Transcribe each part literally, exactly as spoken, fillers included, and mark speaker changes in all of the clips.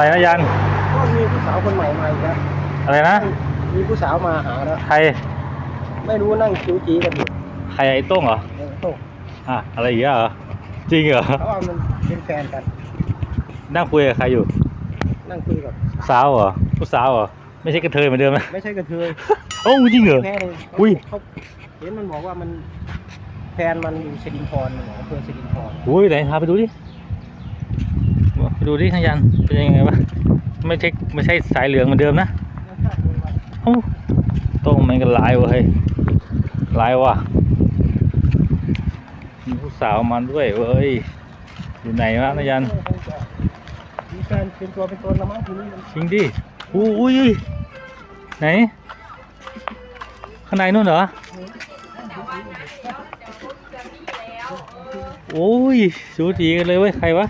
Speaker 1: อะไรนะยัน
Speaker 2: ก็มีผู้สาวคนใหม่มาอีกแล้ว
Speaker 1: อะไรนะ
Speaker 2: มีผู้สาวมาหาแล้ว
Speaker 1: ใคร
Speaker 2: ไม่รู้นั่งคิ้วจีกันอยู่
Speaker 1: ใครไอ้โต้งเหรอ
Speaker 2: โต้ง
Speaker 1: อ่ะอะไรอย่างเงี้ยเหรอจริงเหรอ
Speaker 2: เขาว่ามันเป็นแฟนกัน
Speaker 1: นั่งคุยกับใครอยู่
Speaker 2: นั่งคุยกับ
Speaker 1: สาวเหรอผู้สาวเหรอไม่ใช่กระเทยเหมือนเดิมไหม
Speaker 2: ไม่ใช่กระเทย
Speaker 1: โอ้จริงเหรอ
Speaker 2: อุ้ยเขาเห็นมันบอกว่ามันแฟนมันอยู่สิรินธรมันบอกอำเภอสิรินธร
Speaker 1: อุ้ยไหนพาไปดูดิไปดูดิทางยันเป็นยังไงวะไม่ใช่ไม่ใช่สายเหลืองเหมือนเดิมนะโอ้โต้งมันก็ลายวะเฮ้ยลายว่ะมีผู้สาวมันด้วยเว้ยอยู่ไหนวะนายัน
Speaker 2: มีแฟนเป็นตัวเป็นตนละมั้งทีนี้
Speaker 1: จริงดิอุ้ยไหนข้างในนู่นเหรอโอ้ยสูสีกันเลยเว้ยใครวะ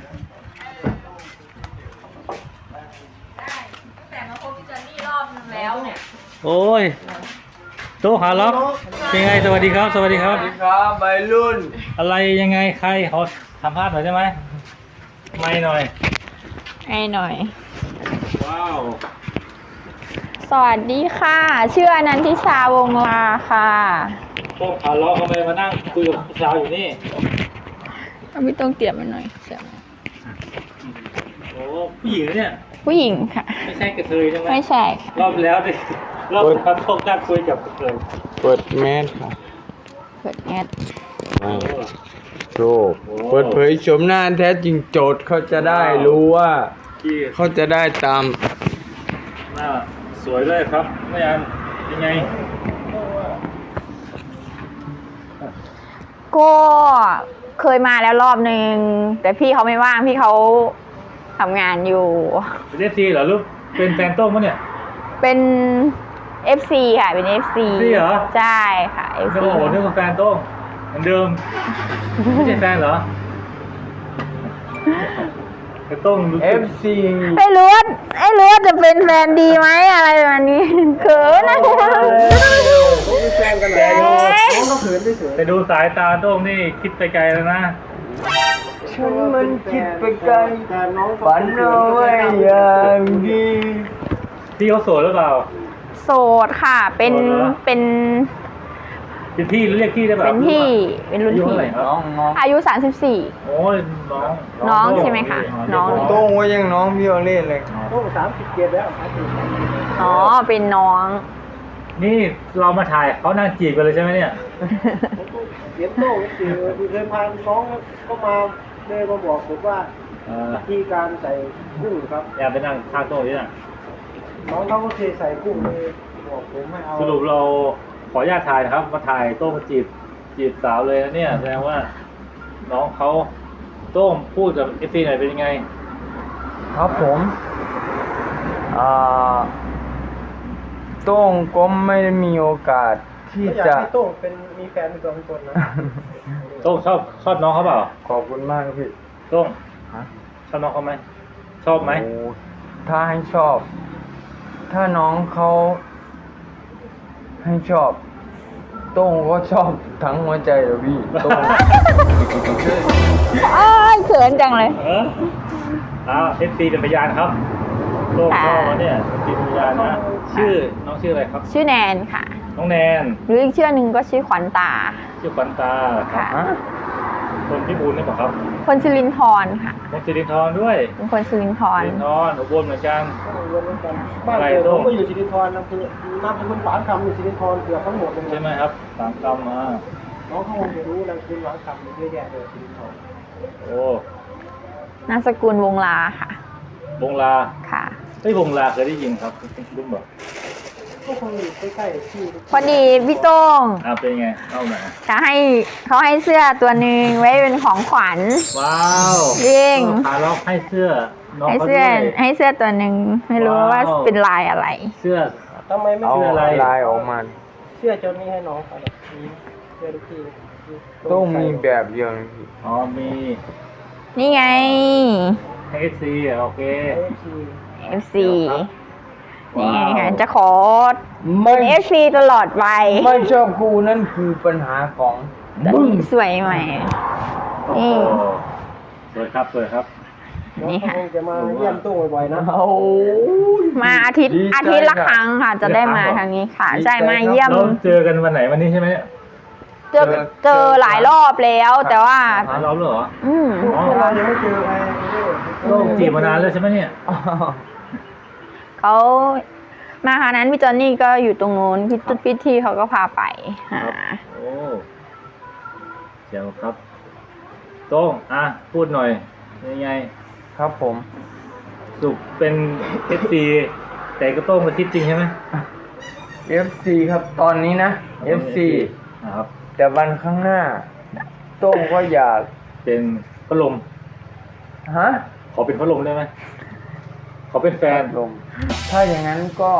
Speaker 3: แต่มาพบพี่จอนนี่รอบนึงแล้วเนี่ย
Speaker 1: โอ้ยโตหาล็อกเป็นไงสวัสดีครับสวัสดีครับ
Speaker 4: สวัสดีครับใบรุ่น
Speaker 1: อะไรยังไงใครเขาทำภาพหน่อยใช่ไหมไม่หน่อย
Speaker 3: ให้หน่อย
Speaker 1: ว้าว
Speaker 3: สวัสดีค่ะชื่ออนันทิชาวงลาค่ะ
Speaker 1: โต้หาล็อกทำไมมานั่งคุยกับผู้สาวอยู่นี่
Speaker 3: พี่ต้องเตรียมมันหน่อยเสียง
Speaker 1: โอ้ผู้หญิงเนี่ย
Speaker 3: ผู้หญิงค่ะ
Speaker 1: ไม่ใช่กระเทยใช่ไหม
Speaker 3: ไม่ใช่
Speaker 1: รอบแล้วดิรอบแล้วโต้นั่งคุยกับกระเทย
Speaker 4: เปิดแมสค่ะ
Speaker 3: เปิดแอด
Speaker 4: โชว์เปิดเผยชมหน้าแท้จริงโจทย์เขาจะได้รู้ว่าเขาจะได้ตาม
Speaker 1: หน้าสวยด้วยครับไม่ยันยังไง
Speaker 3: ก็เคยมาแล้วรอบนึงแต่พี่เขาไม่ว่างพี่เขาทำงานอยู่
Speaker 1: เป็นเอฟซีเหรอลูกเป็นแฟนโต้งมั้ยเนี่ย
Speaker 3: เป็น เอฟ ซี ค่ะเป็น เอฟ ซี
Speaker 1: เหรอ
Speaker 3: ใช่ค่ะ เอฟ ซี
Speaker 1: โอ้โหนึกว่าแฟนโต้งเหมือนเดิมไม่ใช่แฟนเหรอไอ้โต้ง
Speaker 4: เอฟ ซี
Speaker 3: ไอ้รู้ว่าไอ้รู้ว่าจะเป็นแฟนดีไหมอะไรแบบนี้เขินนะ
Speaker 2: แฟนกันแล้วน้องก็เขินด้วยเฉย
Speaker 1: ไปดูสายตาโต้งนี่คิดไปไกลแล้วนะ
Speaker 4: ฉันมันคิดไปไกลฝันเอาไว้อย่างดี
Speaker 1: พี่เขาโสดหรือเปล่า
Speaker 3: โสดค่ะเป็นเป็น
Speaker 1: เป็นพี่เรียกพี่ได้ป่ะ
Speaker 3: เป็นพี่เป็นรุ่นพี่
Speaker 4: น้อง
Speaker 3: อายุสามสิบสี่
Speaker 1: โอ้ยน้อง
Speaker 3: น้องใช่ไหมคะน้อง
Speaker 4: โต้งว่ายังน้องพี่โอเล่เลย
Speaker 2: โต้งสามสิบเจ็ดแล้ว
Speaker 3: อ๋อเป็นน้อง
Speaker 1: นี่เรามาถ่ายเขานั่งจีบกันเลยใช่ไหมเนี่ย
Speaker 2: เดี๋ยวโต้งคือเคยพาน้องเข้ามาเลยมาบอกผมว่าวิธีการใส่กุ้งครับ
Speaker 1: อย่าไปนั่งทางโต้งนี่นะ
Speaker 2: น้องเขาก็เคยใส่กุ้งเลยบอกผมไม่เอา
Speaker 1: สรุปเราขออนุญาตถ่ายนะครับมาถ่ายโต้งมาจีบจีบสาวเลยนะเนี่ยแสดงว่าน้องเขาโต้งพูดกับเอฟซีหน่อยเป็นยังไง
Speaker 4: ครับผมอ่าโต้งก็ไม่ได้มีโอกาสที่จะ
Speaker 2: โต้งเป็นมีแฟนเป็นตัวเป็นตนนะ
Speaker 1: โต้งชอบชอบน้องเขาเปล่า
Speaker 4: ขอบคุณมากครับพี่
Speaker 1: โต้งชอบน้องเขาไหมชอบไหม
Speaker 4: ถ้าให้ชอบถ้าน้องเขาให้ชอบโต้งก็ชอบทั้งหัวใจเลยพี่โต้ง
Speaker 3: อ้าวเขินจังเลย
Speaker 1: เอออ้าวเอฟซีเป็นพยานครับโต้งพ่อเขาเนี่ยเป็นพยานนะชื่อน้องชื่ออะไรครับ
Speaker 3: ชื่อแนนค่ะ
Speaker 1: น้องแนน
Speaker 3: หรืออีกชื่อหนึ่งก็ชื่อขวัญตา
Speaker 1: ชื่อขวัญตา
Speaker 3: ค่ะ
Speaker 1: คนพิบูลนี่ป่ะครับ
Speaker 3: คนสิรินธรค่ะ
Speaker 1: คนสิรินธรด้วย
Speaker 3: เป็นคนสิรินธร
Speaker 1: สิรินธรอุบลเหมือนกัน
Speaker 2: บ้านเกิดผมก็อยู่สิรินธรนะคือน้ำเป็นคนฝางคำอยู่สิรินธรเกือบทั้งหมดเลย
Speaker 1: ใช่ไหมครับฝางคำมา
Speaker 2: น้องเขาคงจะรู้นามสกุลฝางคำเยอะแยะเลยสิรินธร
Speaker 1: โอ้
Speaker 3: นามสกุลวงลาค่ะ
Speaker 1: วงลา
Speaker 3: ค่ะ
Speaker 1: เฮ้ยวงลาเคยได้ยินครับรู้บ่
Speaker 2: ก็คงอยู่ใกล้ๆที่
Speaker 3: พอดีพี่โต้ง
Speaker 1: อ่าเป็นไงเข้ามา
Speaker 3: จะให้เขาให้เสื้อตัวหนึ่งไว้เป็นของขวัญ
Speaker 1: ว้าว
Speaker 3: จริง
Speaker 1: พาล็อกให้เสื้อ
Speaker 3: ให้เสื้อให้เสื้อตัวหนึ่งไม่รู้ว่าเป็นลายอะไร
Speaker 1: เสื้อ
Speaker 2: ทำไมไม่
Speaker 4: เสื้อลายลายออกมา
Speaker 2: เสื้อจนนี้ให้น้องเขาเลยเสื้อลูกพี่
Speaker 4: ต้องมีแบบเดียว
Speaker 1: อ๋อมี
Speaker 3: นี่ไง
Speaker 1: เอฟซีโอเค
Speaker 3: เอฟซีนี่ไงค่ะจะขอเป็นเอฟซีตลอดไป
Speaker 4: ไม่ชอบกูนั่นคือปัญหาของ
Speaker 3: มึงสวยไหมนี่
Speaker 1: สวยครับสวยครับ
Speaker 3: นี่ค่ะ
Speaker 2: คงจะมาเยี่ยมตู้บ่อยๆนะ
Speaker 4: โอ้ย
Speaker 3: มาอาทิตย์
Speaker 4: ดีใจ
Speaker 3: อาทิตย์ละ
Speaker 4: ค่ะ
Speaker 3: ครั้งค่ะ จะได้มาทางนี้ค่ะ
Speaker 4: ดีใจ
Speaker 3: ใช่มาเยี่ยม
Speaker 1: เราเจอกันวันไหนวันนี้ใช่ไหมเนี่ย
Speaker 3: เจอเจอหลายรอบแล้วแต่ว่า
Speaker 1: หาเราเหรอ
Speaker 3: อืม
Speaker 2: พวกเรายังไม่เจอใคร
Speaker 1: โต้งจีบมานานแล้วใช่ไหมเนี่ย
Speaker 3: เขามาคราวนั้นพี่จอนนี่ก็อยู่ตรงนู้นพี่ตุ๊ดพี่ที่เขาก็พาไปหา
Speaker 1: โอ้เจ๋วครับโต้งอ่ะพูดหน่อยยังไง
Speaker 4: ครับผม
Speaker 1: สุขเป็นเอฟซีแต่ก็โต้งมาทิศจริงใช่ไหม
Speaker 4: เอฟ ซี ครับตอนนี้นะ เอฟ ซี
Speaker 1: นะครับ
Speaker 4: แต่วันข้างหน้า โต้งก็อยาก
Speaker 1: เป็นพัดลม
Speaker 4: ฮะ
Speaker 1: ขอเป็นพัดลมได้ไหมขอเป็นแฟน
Speaker 4: ลมถ้าอย่างนั้นก็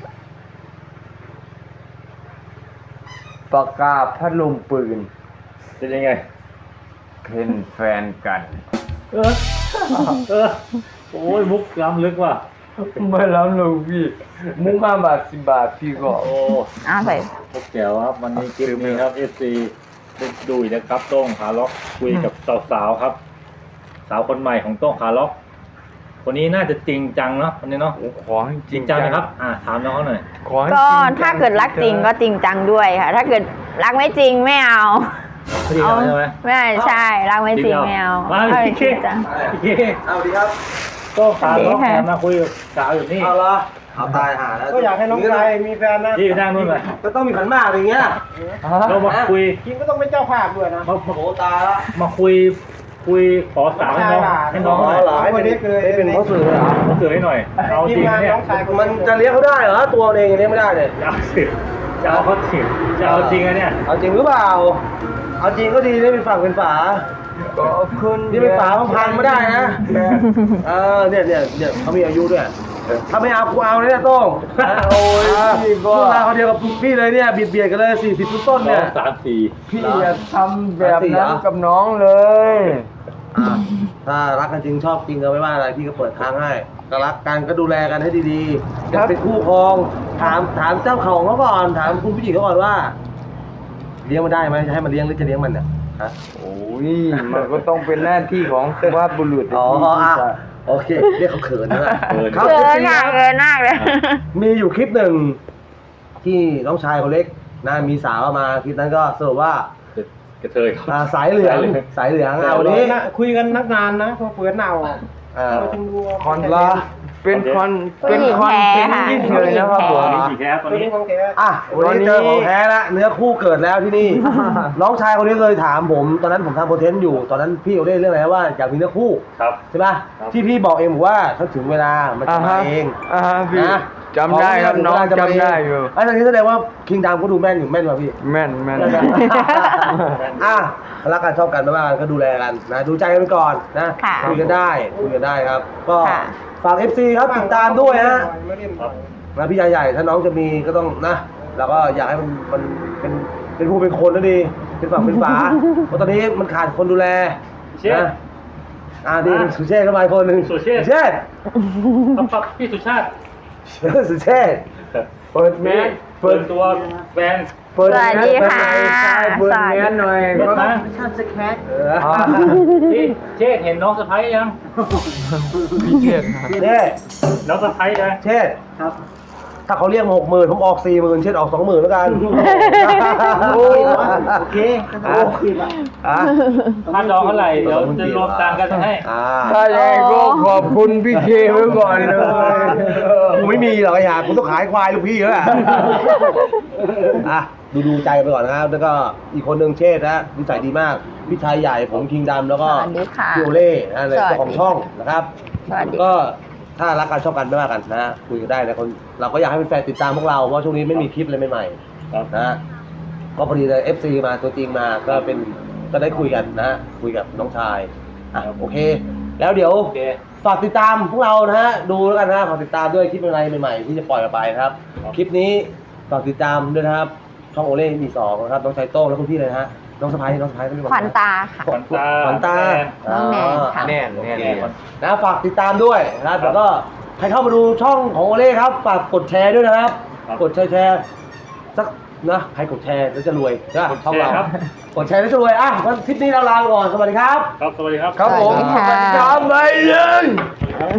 Speaker 4: ประกาศพัดลมปืน
Speaker 1: เป็นยังไง
Speaker 4: เป็นแฟนกัน
Speaker 1: เออ เออ โอ้ยมุกล้ำลึกว่ะ
Speaker 4: ไม่รับลูกพี่ มุกห้าบาทสิบบาทพี่ก็
Speaker 1: โอ้
Speaker 3: อ้าวใส่
Speaker 1: มุกแจ๋วครับ วันนี้คลิปนี้ครับ เอฟ ซี ได้ดูอีกนะครับโต้งขาล็อกคุยกับสาวๆครับ สาวคนใหม่ของโต้งขาล็อก คนนี้น่าจะจริงจังเนาะคนนี้เนาะ
Speaker 4: ขอให้
Speaker 1: จริงจังนะครับ อ่าถามน้องเขาหน่อย
Speaker 4: ขอให้
Speaker 3: ก็
Speaker 4: จริงจัง
Speaker 3: ถ้าเกิดรักจริงก็จริงจังด้วยค่ะ ถ้าเกิดรักไม่จริงไม่เอา
Speaker 1: เขาจริงจังใช่ไหม
Speaker 3: ไม่ใช่รักไม่จริงไม่เอา
Speaker 1: มา
Speaker 3: เอา
Speaker 1: พี่
Speaker 3: จ
Speaker 1: เค
Speaker 3: ริงจัง
Speaker 1: พี่เค
Speaker 2: เอาดีครับ
Speaker 1: โต้งขาล็อก
Speaker 3: สวัสดีค่ะ
Speaker 1: แอบมาคุยกับสาวอยู่นี่
Speaker 2: เอาละเอาตายหาแล้วก็อยากให้น้องชายมีแฟนนะ
Speaker 1: นี่ไปนั่งนู่นเลย
Speaker 2: ก็ต้องมีขันหมากอย่างเงี้ย
Speaker 1: เรามาคุย
Speaker 2: คิมก็ต้องเป็นเจ้าภาพด้วยนะ
Speaker 1: มามา
Speaker 2: โอ้ตายละ
Speaker 1: มาคุย คุยขอสาวให้น้องให้น้องหน่อย
Speaker 2: เหรอให้เป็นให้เป็นพ่อสื่อเหรอ
Speaker 1: ขอเสือให้หน่อย เอาจริงนะเนี่ย
Speaker 2: มันจะเลี้ยงเขาได้เหรอตัวเองเลี้ยงไม่ได้เลย
Speaker 1: จะเอาสิจะเอาเขาถิจะเอาจริงอะเนี่ย
Speaker 2: เอาจริงหรือเปล่า เอาจริงก็ดีได้เป็นฝั่งเป็นฝา
Speaker 4: ก็คุณ
Speaker 2: นี่เป็นฝาพังๆไม่ได้นะเออเนี่ยเนี่ยเนี่ยเขามีอายุด้วยถ้าไม่เอากูเอาเลยเนี่ยโต้ง
Speaker 4: โอ้ยพี่
Speaker 2: พ
Speaker 4: ก็
Speaker 2: วกเราคนเดียวกับพี่เลยเนี่ยเบียดเบียดกันเลยสี่สิบต้น
Speaker 1: ส
Speaker 2: ๆเนี่
Speaker 1: อย งสามสี่
Speaker 4: พี่อย่าทำแบบนั้นกับน้องเลย
Speaker 2: อ่ะถ้ารักกันจริงชอบจริงก็ไม่ว่าอะไรพี่ก็เปิดทางให้ก็รักกันก็ดูแลกันให้ดีๆจะเป็นคู่ครองถามถามเจ้าของเขาก่อนถามคุณผู้หญิงเขาก่อนว่า เลี้ยงมันได้ไหมจะให้มันเลี้ยงหรือจะเลี้ยงมันเนี่ยฮะ
Speaker 4: โอ้ยมันก็ต้องเป็นหน้าที่ของสุภาพบุรุษ
Speaker 2: อ๋อ
Speaker 4: ที่
Speaker 2: อ่ะ
Speaker 4: จะ
Speaker 2: โอเคเรียกเขาเขินนะ
Speaker 1: เกิน
Speaker 2: ครับ
Speaker 3: เกิน
Speaker 2: จริงๆ
Speaker 3: ค่ะ
Speaker 2: ครับ
Speaker 3: เกินมากเลย
Speaker 2: มีอยู่คลิปหนึ่งที่น้องชายคนเล็กนะมีสาวมาคลิปนั้นก็สรุปว่า
Speaker 1: กระเทยครับ
Speaker 2: อ่าสายเหลืองสายเหลืองอ่ะวันนี้
Speaker 5: คุยกันนักนานนะพอเปิดหน้าออก
Speaker 2: อ่า
Speaker 5: เราจึงรู้ว่า
Speaker 4: คอนลาเป็นคอนเป็นคอนเทนต์ยิ่งเลยนะครับผม
Speaker 1: มีกี่แคสตอน
Speaker 5: ตัว
Speaker 1: นี้
Speaker 5: นี้ของแก
Speaker 2: อ่ะวันนี้เจอของแท้ละเนื้อคู่เกิดแล้วที่นี่ น้องชายคนนี้เคยถามผมตอนนั้นผมทำคอนเทนต์อยู่ตอนนั้นพี่เขาได้เรื่องอะไรนะว่าอยากมีเนื้อคู่
Speaker 1: ครับ
Speaker 2: ใช่ป่ะ
Speaker 1: ครับ
Speaker 2: ที่พี่บอกเองบอกว่าถ้าถึงเวลามันจะ
Speaker 4: อ่า
Speaker 2: มา
Speaker 4: ฮะ
Speaker 2: เอง
Speaker 4: อ่าฮะพี่
Speaker 2: นะ
Speaker 4: จำได้ครับน้องจำได้อยู่
Speaker 2: ไอ้ตอนนี้แสดงว่าคิงดามก็ดูแม่นอยู่แม่นป่ะพี่
Speaker 4: แม่นแม่น
Speaker 2: อ่ะรักกันชอบกันไม่ว่ากันก็ดูแลกันนะดูใจกันไปก่อนนะ
Speaker 3: ค่ะ
Speaker 2: คุยกันได้คุยกันได้ครับ ก็
Speaker 3: ค่ะ
Speaker 2: ฝาก เอฟ ซี ครับติดตามด้วยฮะ
Speaker 5: ไม่เล่นบ่อย
Speaker 2: นะพี่ใหญ่ๆถ้าน้องจะมีก็ต้องนะเราก็อยากให้มันมันเป็นเป็นผู้เป็นคนแล้วดีเป็นฝั่งเป็นฝา เพราะตอนนี้มันขาดคนดูแล
Speaker 1: เชษ
Speaker 2: นะอ่าดีสุเชษเข้ามาอีกคนหนึ่ง
Speaker 1: สุเชษ
Speaker 2: เชษ
Speaker 1: ครับครับพี่สุชาติ
Speaker 2: สุเชษ
Speaker 4: เปิดแมส
Speaker 1: เปิดตัวแฟน
Speaker 4: เปิด
Speaker 3: สวัสดีค่ะ
Speaker 4: เปิดแมสหน่อย
Speaker 1: เปิด
Speaker 4: ก็
Speaker 1: นะ
Speaker 5: ชาติสแคท
Speaker 2: เออ
Speaker 4: อ่า
Speaker 1: พี่เชษเห็นน้องสะพ้ายยัง
Speaker 4: พี่เชียดครับ
Speaker 2: เช่
Speaker 1: น้องสะพ้ายนะ
Speaker 2: เชษถ้าเขาเรียกหกหมื่นผมออกสี่หมื่นเชษออกสองหมื่นแล้วกัน
Speaker 5: โอ้โอเคก็ต้องโอเคละ
Speaker 2: อ่ะ
Speaker 1: ค่าดองเท่าไหร่เดี๋ยวจะรวมตังค์กันให้
Speaker 2: อ่า
Speaker 4: ถ้าอย่างนั้นก็ขอบคุณพี่เคไว้ก่อนเลย
Speaker 2: กูไม่มีหรอกไอ้ห่ากูต้องขายควายลูกพี่แล้วแหละอ่ะดูดูใจไปก่อนนะครับแล้วก็อีกคนหนึ่งเชษนะนิสัยดีมากพี่ชายใหญ่ผมคิงดำแล้วก็
Speaker 3: สวัสดีค่ะ
Speaker 2: พี่โอเล่นะใน
Speaker 3: สวัสดี
Speaker 2: เจ้าของช่องนะครับ
Speaker 3: สวัสดี
Speaker 2: ก็ถ้ารักกันชอบกันไม่ว่ากันนะคุยกันได้นะคนเราก็อยากให้เป็นแฟนติดตามพวกเราเพราะช่วงนี้ไม่มีคลิปอะไรใหม่
Speaker 1: ครับ
Speaker 2: ๆนะก็พอดีเลย เอฟ ซี มาตัวจริงมาก็เป็นก็ได้คุยกันนะคุยกับน้องชายอ่ะโอเค แล้วเดี๋ยว
Speaker 1: โอเค
Speaker 2: ฝากติดตามพวกเรานะฮะดูแล้วกันนะฝากติดตามด้วยคลิปอะไรใหม่ๆที่จะปล่อยออกไปนะครับ
Speaker 1: ครับ
Speaker 2: คลิปนี้ฝากติดตามด้วยนะครับช่องโอเล่มีสองนะครับน้องชายโต้งและคุณพี่เลยนะฮะน้องสะพ้ายน้องสะพ้ายไม่รู้
Speaker 3: ขวัญตาค่ะ
Speaker 1: ขวัญตา
Speaker 2: ขวัญตา
Speaker 3: น้องแนนค่ะ
Speaker 4: แน่น
Speaker 2: โอ
Speaker 4: แน่น
Speaker 2: เค
Speaker 4: แน่น
Speaker 2: นะฝากติดตามด้วยนะครับแล้วก็ใครเข้ามาดูช่องของโอเล่ครับฝากกดแชร์ด้วยนะครับ
Speaker 1: ครับ
Speaker 2: กดแชร์แชร์สักนะใครกดแชร์แล้วจะรวยนะ
Speaker 1: กดแชร์
Speaker 2: ช่องเรา
Speaker 1: ครับ
Speaker 2: กดแชร์แล้วจะรวยอ่ะวันคลิปนี้เราลาไปก่อนสวัสดีครับ
Speaker 1: ครับสวัสดีครับ
Speaker 4: ครับผม
Speaker 3: สวัสดีค่ะ
Speaker 4: จำไว้เลย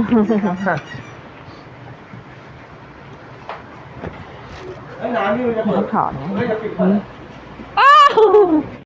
Speaker 2: ไอ้น้ำนี่มันจะเปิด
Speaker 3: ถอดนะ
Speaker 2: เฮ้ยจะปิดก่อน
Speaker 3: อ้าว